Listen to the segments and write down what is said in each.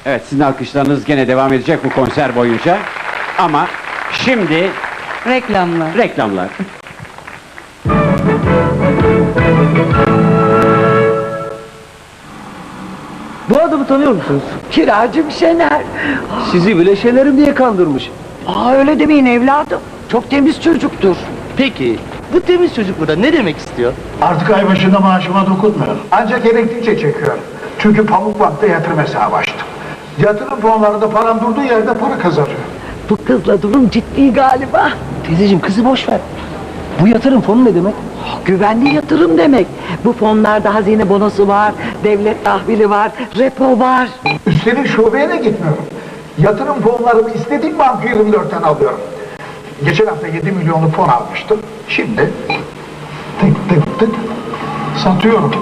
Evet, sizin alkışlarınız gene devam edecek bu konser boyunca. Ama şimdi Reklamlar. reklamlar. Bu adamı tanıyor musunuz? Kiracım Şener. Sizi bile Şener'im diye kandırmış. Öyle demeyin evladım. Çok temiz çocuktur. Peki, bu temiz çocuk burada ne demek istiyor? Artık ay başında maaşıma dokunmuyorum. Ancak gerektikçe çekiyorum. Çünkü Pamukbank'ta yatırım hesabı açtım. Yatırım fonlarında param durduğu yerde para kazanıyor. Bu kızla durum ciddi galiba. Teyzeciğim kızı boş ver. Bu yatırım fonu ne demek? Güvenli yatırım demek. Bu fonlarda hazine bonosu var, devlet tahvili var, repo var. Üstelik şubeye de gitmiyorum. Yatırım fonlarımı istediğim banka 24'ten alıyorum. Geçen hafta 7 milyonluk fon almıştım. Şimdi tık tık tık satıyorum.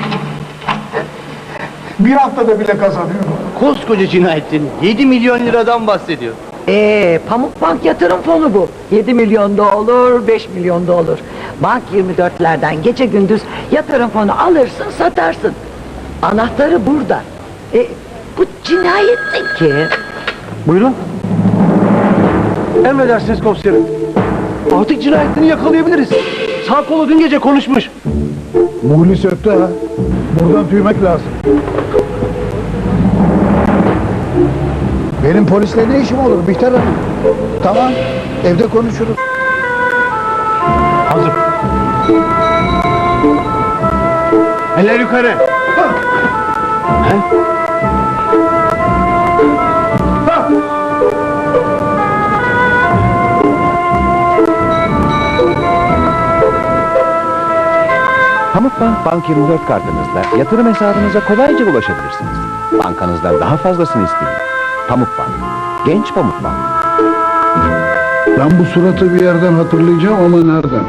Bir haftada bile kazanıyorum. Koskoca cinayetin 7 milyon liradan bahsediyor. Pamukbank yatırım fonu bu. 7 milyon da olur, 5 milyon da olur. Bank 24'lerden gece gündüz yatırım fonu alırsın, satarsın. Anahtarı burada. Bu cinayettin ki. Buyurun. Emredersiniz komiserim. Artık cinayetini yakalayabiliriz. Sağ kolu dün gece konuşmuş. Muhlis öptü ha. Buradan tüymek lazım. Benim polisle ne işim olur Bihter Hanım? Tamam, evde konuşuruz. Hazır. Eller yukarı. Pamukbank Bank 24 kartınızla yatırım hesabınıza kolayca ulaşabilirsiniz. Bankanızdan daha fazlasını isteyin. Pamukbank, genç Pamukbank. Ben bu suratı bir yerden hatırlayacağım ama nereden?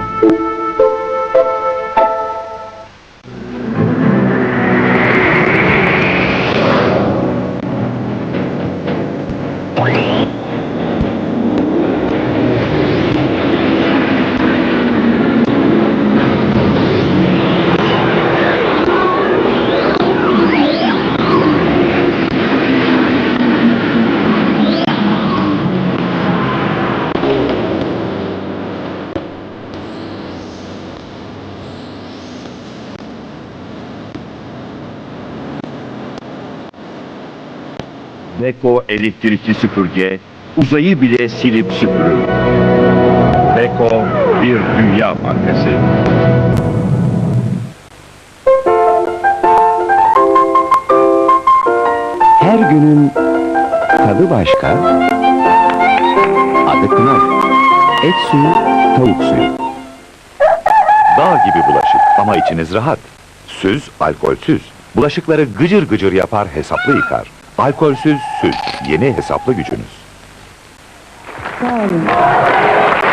Beko elektrikli süpürge uzayı bile silip süpürür. Beko bir dünya markası. Her günün tadı başka, adı Knorr. Et suyu, tavuk suyu. Dağ gibi bulaşık ama içiniz rahat. Süz, alkolsüz. Bulaşıkları gıcır gıcır yapar, hesaplı yıkar. Alkolsüz süz, yeni hesaplı gücünüz.